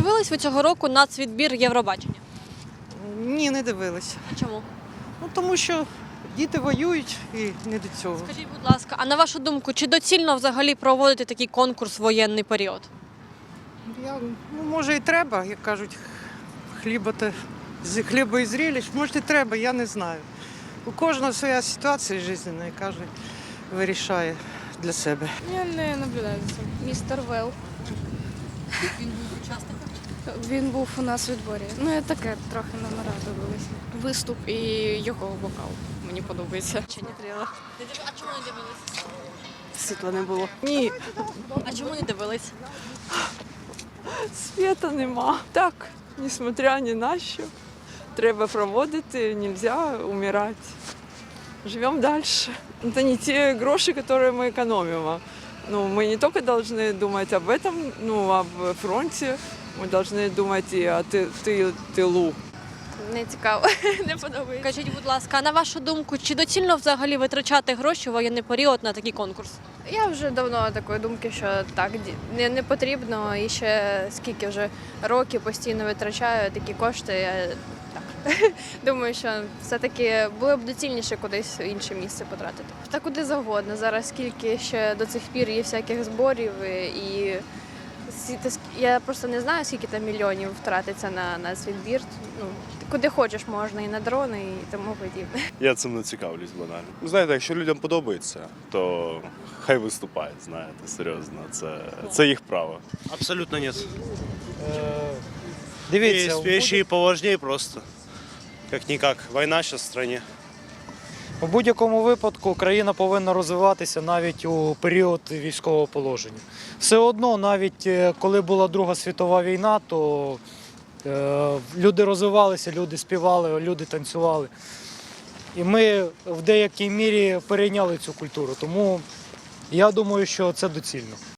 дивились ви цього року нацвідбір Євробачення? Ні, не дивилися. А чому? Ну, тому що діти воюють і не до цього. Скажіть, будь ласка, а на вашу думку, чи доцільно взагалі проводити такий конкурс в воєнний період? Може і треба, як кажуть, хліба і зріліч. Може і треба, я не знаю. У кожного своя ситуація життєва, і кожен вирішає для себе. Я не наблюдаю за цим. Містер Вел. Він був учасником? Він був у нас у відборі. Ну, я таке трохи номера дивилася. Виступ і його вокал. Мені подобається. Чи не дивилися? А чому не дивились? Світла не було. Ні, А чому не дивились? світа нема. Так, несмотря ні на що. Треба проводити, нельзя умирати. Живемо далі. Це не ті гроші, які ми економимо. Ну, ми не тільки повинні думати об этом, ну, об фронті, ми повинні думати і о тилу. Не цікаво, не подобається. Скажіть, будь ласка, а на вашу думку, чи доцільно взагалі витрачати гроші в воєнний період на такий конкурс? Я вже давно такої думки, що так, не потрібно. І ще скільки вже років постійно витрачаю такі кошти. Я так думаю, що все-таки було б доцільніше кудись в інше місце потратити. Та куди завгодно. Зараз скільки ще до цих пір є всяких зборів і я просто не знаю, скільки там мільйонів втратиться на світбір. Ну, куди хочеш можна, і на дрони, і тому подібне. Я цим не цікавлюсь банально. Знаєте, якщо людям подобається, то хай виступають, знаєте, серйозно. Це їх право. Абсолютно нет. Дивіться, Есть вещи и поважнее просто. Как-никак. Война сейчас в стране. у будь-якому випадку країна повинна розвиватися навіть у період військового положення. Все одно, навіть коли була Друга світова війна, то люди розвивалися, люди співали, люди танцювали. І ми в деякій мірі перейняли цю культуру. Тому я думаю, що це доцільно.